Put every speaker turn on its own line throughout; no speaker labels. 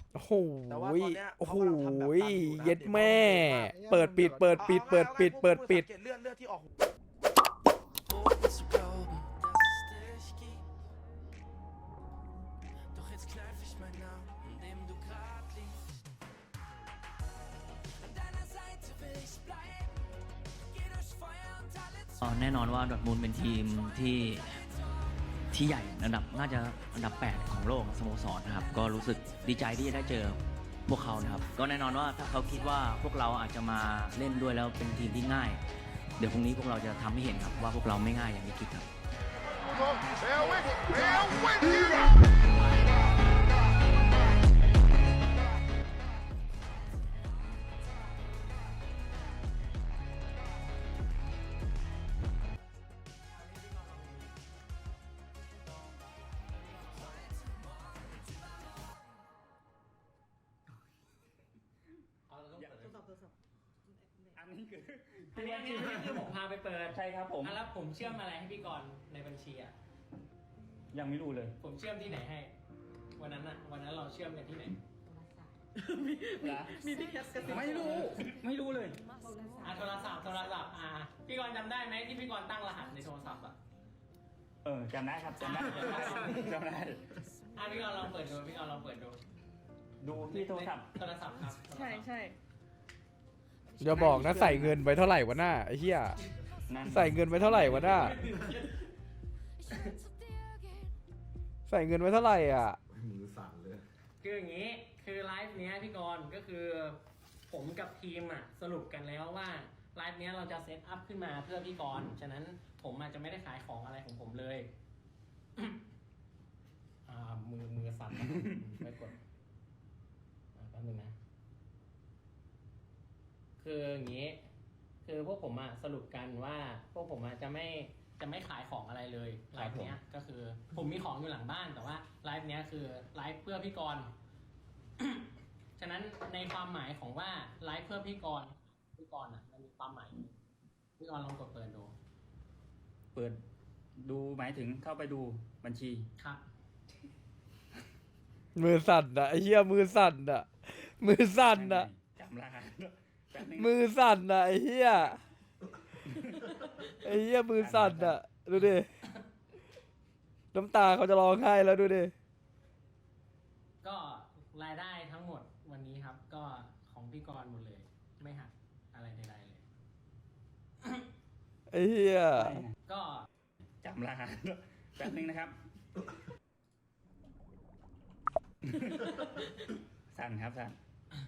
โอ้โห
แต่ว่าตอนเนี้ย
โอ้โห
เขากำลังทำแบบนั้นอยู่นะ
เย็ด
เดี๋ยว
แม่
เขา
เปิดปิดเปิดปิดเปิดปิดเปิดปิด
สังเกตเลือดที่ออก
Doch jetzt kneif ich meinen Namen, an dem du grad liegst. An deiner Seite will ich bleiben. Geh durch Feuer und alle
แน่นอนว่าดอร์ทมุนด์เป็นทีมที่ใหญ่อันดับน่าจะอันดับ 8 ของโลกสโมสรนะครับก็รู้สึกดีใจที่จะได้เจอพวกเขานะครับก็แน่นอนว่าถ้าเขาคิดว่าพวกเราอาจจะมาเล่นด้วยแล้วเป็นทีมที่ง่าย เดี๋ยวพรุ่งนี้พวกเราจะทำให้เห็นครับว่าพวกเราไม่ง่ายอย่างที่คิดครับ
อันนี้คือ
อันนี้คือผมพาไปเปิด
ใช่ครับผม
แล้วผมเชื่อมอะไรให้พี่กรณ์ในบัญชีอ่ะ
ยังไม่รู้เลย
ผมเชื่อมที่ไหนให้ วันนั้นเราเชื่อมกันที่ไหน
มีพี่แคสกันไม่รู้เลย
โทรศัพท์พี่กรณ์จำได้ไหมที่พี่กรณ์ตั้งรหัสในโทรศัพท์อ่ะ
จำได้ครับจำได้จำได้
พี่กรณ์ลองเปิดดู
ดูที่โทรศัพท์
โทรศัพท์ครับ
ใช่
อย่าบอกนะใส่เงินไปเท่าไหร่วะหน้าไอ้เหี้ย
นั่น
ใส่เงินไปเท่าไหร่วะหน้าใส่เงินไว้เท่าไหร่อ่ะ
มือสั่นเลย
คืออย่างนี้คือไลฟ์เนี้ยพี่กรณ์ก็คือผมกับทีมอ่ะสรุปกันแล้วว่าไลฟ์เนี้ยเราจะเซตอัพขึ้นมาเพื่อพี่กรณ์ฉะนั้นผมอาจจะไม่ได้ขายของอะไรของผมเลย มือสั่นไม่กดแป๊บนึงนะคืออย่างนี้คือพวกผมอะสรุปกันว่าพวกผมอะจะไม่ขายของอะไรเลยไลฟ์เนี้ยก็คือผมมีของอยู่หลังบ้านแต่ว่าไลฟ์เนี้ยคือไลฟ์เพื่อพี่กรณ์ ฉะนั้นในความหมายของว่าไลฟ์เพื่อพี่กรณ์อะมันมีความหมายพี่กรณ์ลองกดเปิดดู
เปิดดูหมายถึงเข้าไปดูบัญชี
ครับ
มือสั่นอ่ะไอ้เหี้ยมือสั่นอ่ะมือสั่นอ่ะ
จำรหัสแป๊บนึง
มือสั่นอ่ะไอ้เหี้ยไอ้เหี้ยมือสั่นอ่ะดูดิน้ำตาเขาจะร้องไห้แล้วดูดิ
ก็รายได้ทั้งหมดวันนี้ครับ ก็ของพี่กรณ์หมดเลย ไม่หักอะไรใดๆเลย
ไอ้เหี้ย
ก็
จำรหัสแป๊บนึงนะครับ สั่นครับสั่น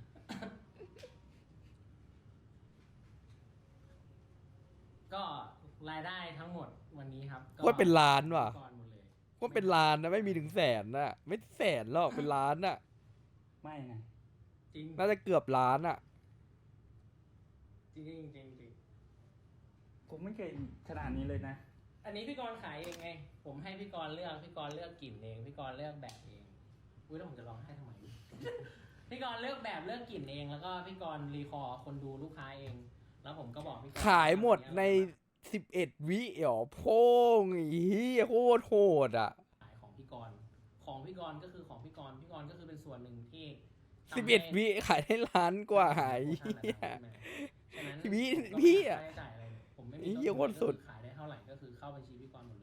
ก็รายได้ทั้งหมดวันนี้ครับ
ว่าเป็นล้านว่ะ
พี่กรณ์หมดเลย
ว่าเป็นล้านนะไม่มีถึงแสนน่ะไม่แสนหรอกเป็นล้านน่ะ
ไม่นะ
จริง
น่าจะเกือบล้านอ่ะ
จริงจริงจริง
ผมไม่เคยขนาดนี้เลยนะ
อันนี้พี่กรณ์ขายเองไง ผมให้พี่กรณ์เลือกพี่กรณ์เลือกกลิ่นเองพี่กรณ์เลือกแบบเองอุ้ยแล้วผมจะร้องไห้ทำไม พี่กรณ์เลือกแบบเลือกกลิ่นเองแล้วก็พี่กรณ์รีคอร์คนดูลูกค้าเอง แล้วผมก็บอกพี่กรณ์
ขายหมดใน11 วิเหรอโพ่งไอ้เหี้ยโคตรโหดอ่ะ
ขายของพี่กรณ์ก็คือของพี่กรณ์ก็คือเป็นส่วนหนึ่งที่ทำให้
11 วิขายได้ล้านกว่าไอ้เหี้ย
ฉะนั้น
พี่
ผมก็ไม่
พี่
มี
อะ
ค่าใช้จ่ายอะไรเลยผมไม่มี
ไอ้เหี้ยโคตรสุด
ขายได้เท่าไหร่ก็คือเข้าบัญชีพี่กรณ์หมดเลย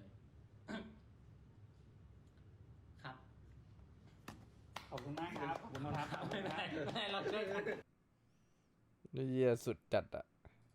ครับ
ขอบคุณมากครับ ขอบคุณครับ
ไม่ได้เราช่วยกัน
ไอ้เหี้ยสุดจัดอ่ะ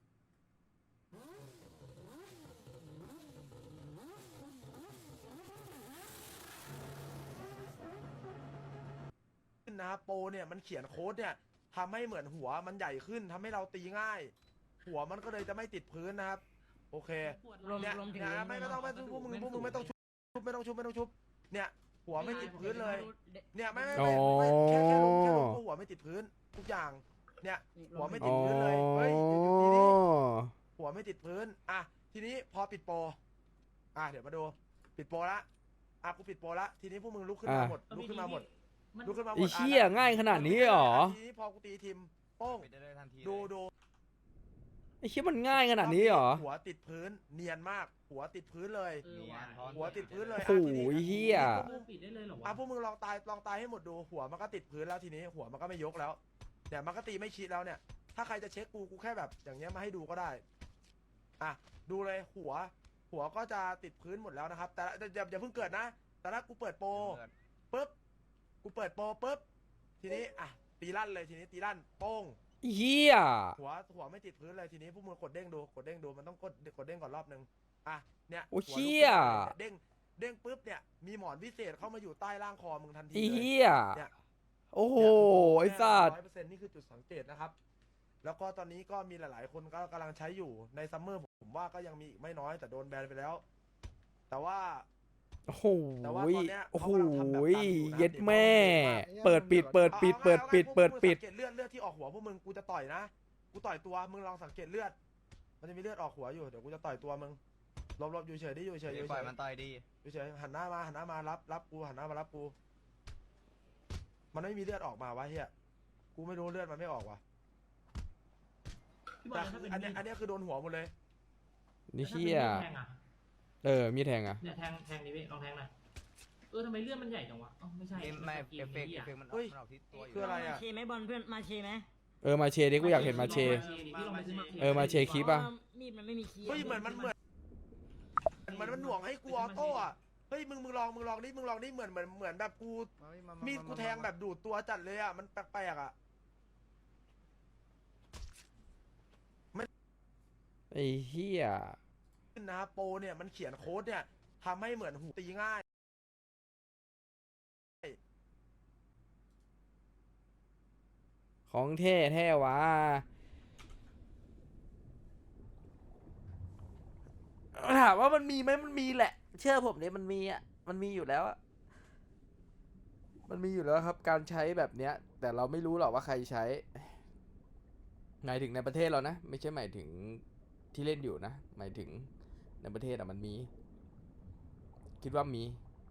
ขึ้นนะโปรเนี่ยมันเขียนโค้ดเนี่ยทำให้เหมือนหัวมันใหญ่ขึ้นทำให้เราตีง่าย หัวมันก็เลยจะไม่ติดพื้นนะครับ โอเคเนี่ยนะไม่ต้องพวกมึงไม่ต้องชุบไม่ต้องชุบเนี่ย หัวไม่ติดพื้นเลย เนี่ยไม่แค่ลงก็หัวไม่ติดพื้นทุกอย่าง เนี่ย หัวไม่ติ
อ๋
ด
อ
พื้นเลยเฮ้ยทีนี้หัวไม่ติดพื้นอ่ะทีนี้พอปิดโปรเดี๋ยวมาดูปิดโปรละกูปิดโปรละทีนี้พวกมึงลุกขึ้นมาหมดลุกขึ้นมาหมด
ไอ้เหี้ยง่ายขนาดนี้เหรอ
ทีนี้พอกูตีทีมโป้งดู
ไอ้เชี่ยมันง่ายขนาดนี้เหรอ
หัวติดพื้นเนียนมาก หัวติดพื้นเลย หัวติดพื้นเลย
โอ้โหเหี้ย
ปิดได้เลยเหรอ
พวกมึงลองตายให้หมดดูหัวมันก็ติดพื้นแล้วทีนี้หัวมันก็ไม่ยกแล้วเนี่ยมันก็ตีไม่ชิดแล้วเนี่ย ถ้าใครจะเช็คกูแค่แบบอย่างเงี้ยมาให้ดูก็ได้อ่ะดูเลยหัวก็จะติดพื้นหมดแล้วนะครับแต่อย่าเพิ่งเกิดนะแต่ถ้ากูเปิดโปรปุ๊บกูเปิดโปรปุ๊บทีนี้อ่ะตีลั่นเลยทีนี้ตีลั่นโป้ง
เหี้ย
หัวไม่ติดพื้นเลยทีนี้พวกมึงกดเด้งดูมันต้องกดเด้งก่อนรอบนึงอ่ะเนี่ย
โอ้
หัวลุก
เชี่ย
ขึ้นเด้งปุ๊บเนี่ยมีหมอนพิเศษเข้ามาอยู่ใต้ล่างคอมึงทันที
ไอ้
เลย
เหี้ย
เนี่ย
โอ้โหไอ้สัตว์
100%นี่คือจุดสังเกตนะครับ แล้วก็ตอนนี้ก็มีหลายๆ คนก็กำลังใช้อยู่ในซัมเมอร์ผมว่าก็ยังมีอีกไม่น้อยแต่โดนแบนไปแล้ว แต่ว่า
โอ้โห
แต่ว่าตอนเนี้ย
โอ้โห
เขากำลังทำแบบนั้นอยู่นะ
เย็ดแม่
เดี๋ยว
เปิดปิด
เอา
เปิดปิด
สังเกตเลือดที่ออกหัวพวกมึงกูจะต่อยนะกูต่อยตัวมึงลองสังเกตเลือด มันจะมีเลือดออกหัวอยู่เดี๋ยวกูจะต่อยตัวมึงหลบอยู่เฉยดิอยู่เฉย
ปล่อยมันต่อยดี
อยู่เฉยหันหน้ามารับกูหันหน้ามารับกู มันไม่มีเลือดออกมาวะเฮียกูไม่รู้เลือดมันไม่ออกว่ะแต่คืออันเนี้ยคือโดนหัวหมดเลย
นี่เชี่ยมีแทงอ่ะ
เนี่ยแทงนี่พี่ลองแทงหน่อยทำไมเลือดมันใหญ่จังวะไม่ใช่
ไม่เอฟเฟกต์มันออกที่ตัวอยู่
คืออะไรอ่ะ
มาเชไหมบอลเพื่อนมาเชไหม
มาเชดิกูอยากเห็นมาเช
พี่ลองไปซื้อมา
มาเชคลิปป่ะ
มีดมันไม่มีคีย์
เฮ้ยเหมือนมันหน่วงให้กูออโต้อะเฮ้ยมึงลองดิเหมือนแบบกูมีดกูแทงแบบดูดตัวจัดเลยอะมันแปลกๆอะ
ไอ้เหี้ย
นะโปรเนี่ยมันเขียนโค้ดเนี่ยทำให้เหมือนหูตีง่าย
ของแท้วะถามว่ามันมีไหมมันมีแหละ เชื่อผมเนี่ยมันมีอ่ะมันมีอยู่แล้วอ่ะมันมีอยู่แล้วครับ การใช้แบบเนี้ย แต่เราไม่รู้หรอกว่าใครใช้หมายถึงในประเทศเรานะไม่ใช่หมายถึงที่เล่นอยู่นะหมายถึงในประเทศอ่ะมันมี คิดว่ามี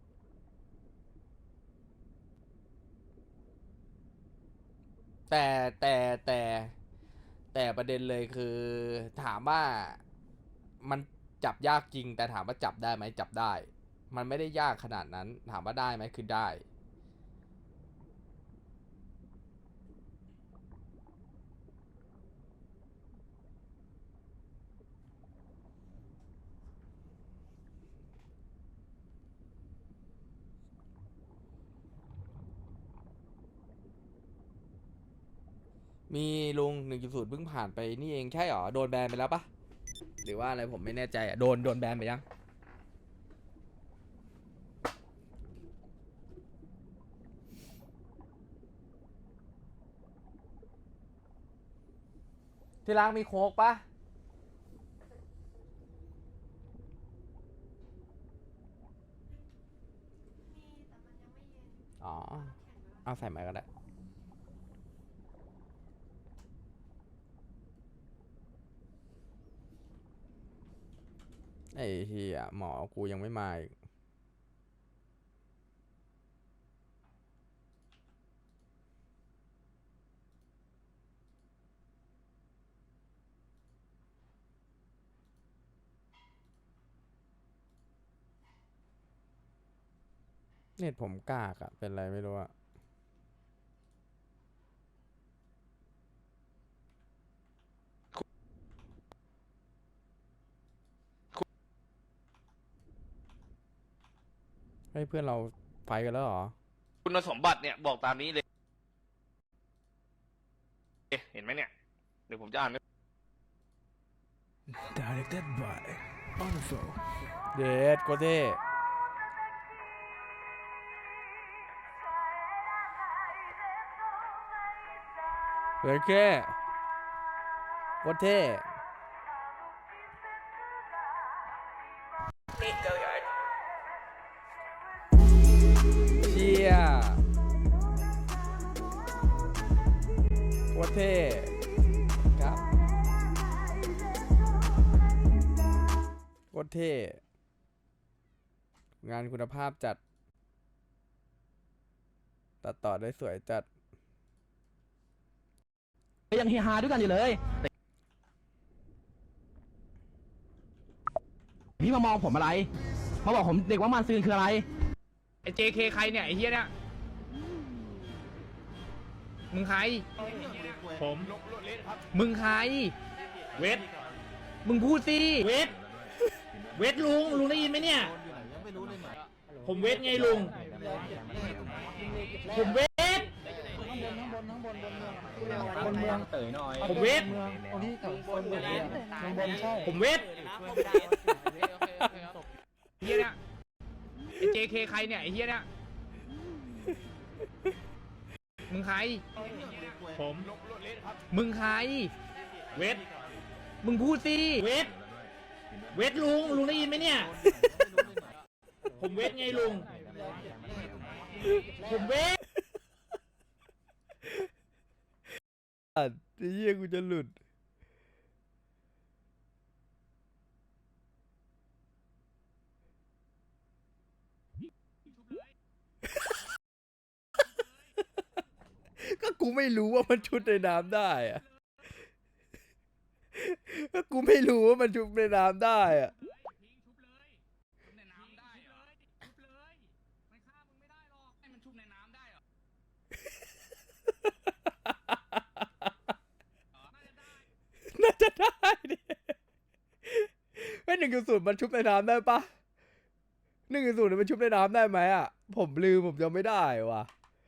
แต่ประเด็นเลยคือถามว่ามันจับยากจริง แต่ถามว่าจับได้ไหมจับได้ มันไม่ได้ยากขนาดนั้น ถามว่าได้ไหมคือได้ มีลุง 1.0 เพิ่งผ่านไปนี่เองใช่หรอ โดนแบนไปแล้วปะหรือว่าอะไรผมไม่แน่ใจอ่ะ โดนแบนไปยัง ที่ร้านมีโค้กปะอ๋อ เอาใส่มาก็ได้ ไอ้เหี้ยหมอกูยังไม่มาอีกเน็ตผมกากอะเป็นไรไม่รู้อะให้เพื่อนเราไฟกันแล้วเหรอ
คุณสมบัติเนี่ยบอกตามนี้เลยเห็นไหมเนี่ย เดี๋ยวผมจะอ่าน
Directed by Wonderful
เดดโกเต้เฮ้ยแค่โคตรเท่เชี่ยโคตรเท่ครับโคตรเท่งานคุณภาพจัด ตัดต่อได้สวยจัด
ยังเฮฮาด้วยกันอยู่เลยพี่มามองผมอะไร มาบอกผมเด็กว่ามันซืนคืออะไร
ไอ้ JK ใครเนี่ยไอ้เฮียเนี่ยมึงใครผมมึงใครเวทมึงพูดสิเวทลุงได้ยินไหมเนี่ยผมเวทไงลุงผมเวทผมเวทผมเวทเฮียเนี่ยไอ้ JK ใครเนี่ยไอ้เฮียเนี่ยมึงใครผมมึงใครเวทมึงพูดสิเวทลุงได้ยินไหมเนี่ยผมเวทไงลุงผมเวท
ไอ้เหี้ยกูจะหลุด ก็กูไม่รู้ว่ามันชุดในน้ำได้อะก็กูไม่รู้ว่ามันชุดในน้ำได้อะ น่าจะได้ดิไม่1.0มันชุบในน้ำได้ปะ1.0มันชุบในน้ำได้ไหมอ่ะ ผมลืมผมจำไม่ได้ว่ะ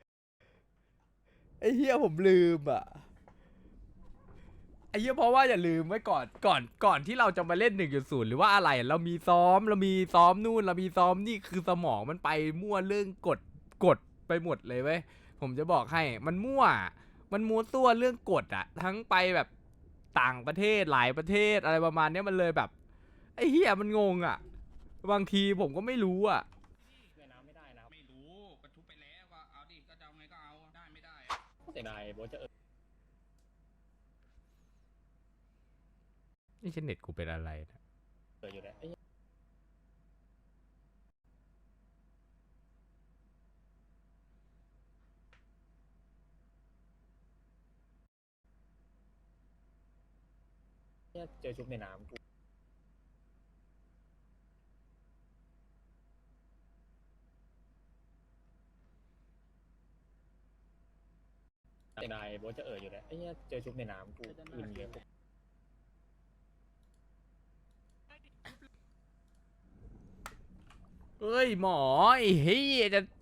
ไอ้เฮียผมลืมอ่ะไอ้เฮียเพราะว่าอย่าลืมไว้ก่อนที่เราจะมาเล่น1.0หรือว่าอะไรเรามีซ้อมนู่นเรามีซ้อมนี่คือสมองมันไปมั่วเรื่องกดไปหมดเลยเว้ยผมจะบอกให้มันมั่วตัวเรื่องกฎอะทั้งไปแบบต่างประเทศหลายประเทศอะไรประมาณเนี้ยมันเลยแบบไอ้เฮียมันงงอะบางทีผมก็ไม่รู้อะ
ไม่รู้กระทุบไปแล้วก็เอาดิก็จะเอาไงก็เอาได้ไม่ได้เสียดายโบจะ
นี่เน็ตกูเป็นอะไรนะ
อยู่แล้วเจอชุบในน้ำกูเสียดายโบจะอยู่แล้วเจอชุบในน้ำกูอื่นเยอะ
เอ้ยหมอไอ้เฮียจะ